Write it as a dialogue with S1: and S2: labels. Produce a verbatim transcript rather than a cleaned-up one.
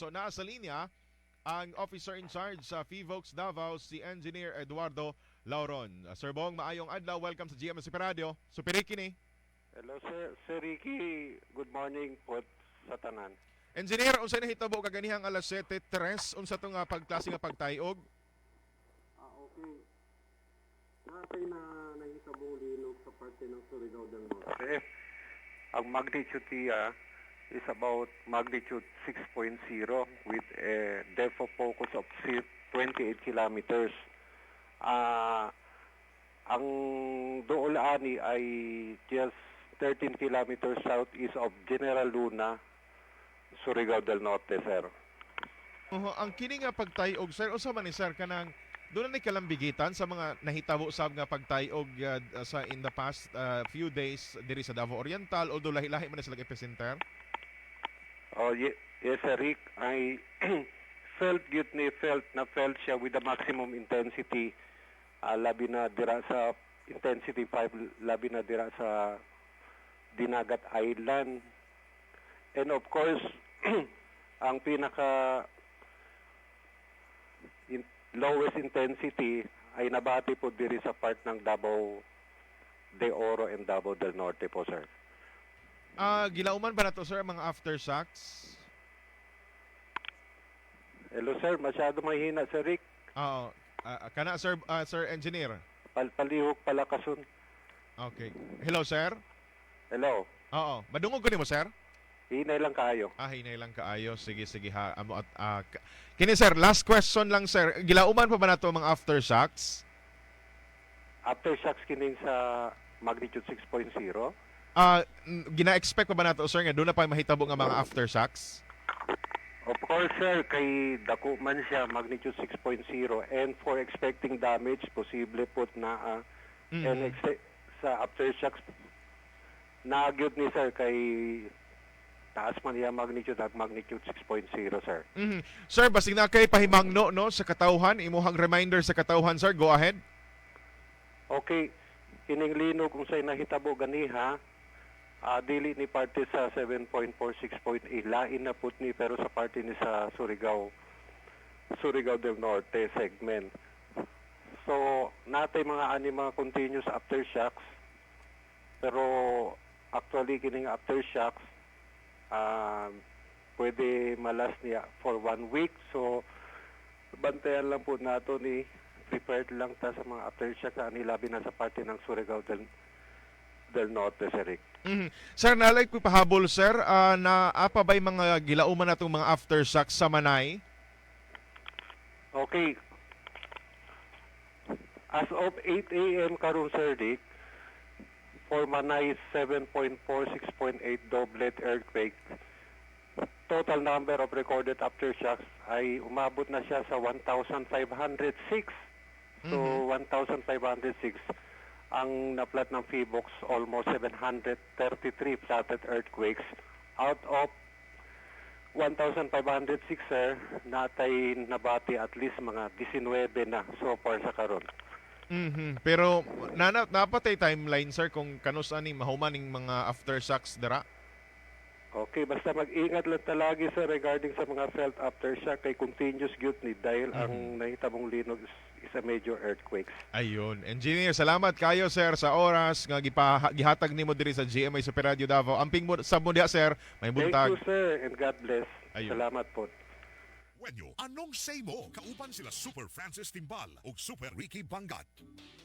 S1: So nasa linya ang officer in charge sa FIVOX Davao, si Engineer Eduardo Lauron. Uh, Sir Bong, maayong adlaw. Welcome sa G M S Super Radio. Super Ricky ni.
S2: Hello sir, Sir Ricky. Good morning po sa tanan.
S1: Engineer, unsay nahitabo kaganihang alas siyete tres unsa to nga pagklase nga pagtayog?
S3: Ah, okay. Natay na nahitabong linog sa parte ng Surigao del Norte.
S2: Okay. Ang magnitude niya is about magnitude six point zero with a depth of focus of twenty-eight kilometers. Ah, ang dool ani ay just thirteen kilometers southeast of General Luna, Surigao del Norte, sir.
S1: Uh, ang kini nga pagtayog, sir, usa man ni sir kanang doon na ni kalambigitan sa mga nahitabo sab nga pagtayog uh, sa in the past uh, few days diri sa Davao Oriental, although lahi-lahi man na sila epicenter.
S2: Oh, ye- yes, sir, Rick. I felt yun ni felt na felt siya with the maximum intensity. Uh, labi na dira sa intensity five, labi na dira sa Dinagat Island. And of course, ang pinaka in, lowest intensity ay nabati po diri sa part ng Davao de Oro and Davao del Norte po, sir.
S1: Ah, uh, gilauman ba nato sir mga aftershocks?
S2: Hello, sir. Masyado mahina, sir Rick.
S1: Oo. Uh, kana sir uh, sir engineer.
S2: Palpalihok palakason.
S1: Okay. Hello sir.
S2: Hello.
S1: Oo. Madungog ko nimo sir?
S2: Hinay lang kayo.
S1: Ah, hinay lang kaayo. Sige, sige ha. Amo at uh, kini sir, last question lang sir. Gilauman pa ba nato mga aftershocks?
S2: Aftershocks kining sa magnitude six point zero.
S1: Ah, uh, gina-expect pa ba nato sir nga doon na pa mahitabo nga mga aftershocks?
S2: Of course, sir, kay dako man siya magnitude six point zero, and for expecting damage, posible po na uh,
S1: Mm-hmm.
S2: and ex- sa aftershocks nagyod ni sir kay taas man niya magnitude at magnitude six point zero, sir.
S1: Mm-hmm. Sir, basig na kay pahimangno no sa katawhan, imuhang reminder sa katawhan sir, go ahead.
S2: Okay, kining lino kung sa'y nahitabo ganiha, uh, dili ni parte sa seven point four, six point eight, lain na put ni pero sa parte ni sa Surigao, Surigao del Norte segment. So, natay mga ani mga continuous aftershocks, pero actually kining aftershocks, uh, pwede malas niya for one week. So, bantayan lang po nato ni prepared lang ta sa mga aftershock na nilabi na sa parte ng Surigao del, del Norte, sir Rick.
S1: Mm-hmm. Sir, nalay ko pahabol sir, uh, na apa ba'y mga gilauman natong mga aftershocks sa Manay?
S2: Okay. As of eight a.m. karon, sir Rick, for Manay seven point four, six point eight doublet earthquake, total number of recorded aftershocks ay umabot na siya sa one thousand five hundred six. So,
S1: Mhm.
S2: one thousand five hundred six. Ang naplat ng FIVOX, almost seven hundred thirty-three flatted earthquakes. Out of one thousand five hundred six, sir, natay nabati at least mga nineteen na so far sa karon.
S1: Mm-hmm. Pero nana napatay timeline sir kung kanus ani mahumaning mga aftershocks dira.
S2: Okay, basta mag-ingat lang talagi, sir, regarding sa mga felt aftershock kay continuous gyud ni dahil
S1: Mhm.
S2: ang nahitabong linog is, is a major earthquakes.
S1: Ayun. Engineer, salamat kayo sir sa oras nga gipa, gihatag nimo diri sa G M A Super Radio Davao. Amping mo sa mo diha sir, may
S2: Thank
S1: buntag.
S2: you, sir, and God bless.
S1: Ayun.
S2: Salamat po.
S4: Wenyo, anong say mo? Kauban sila Super Francis Timbal o Super Ricky Bangat.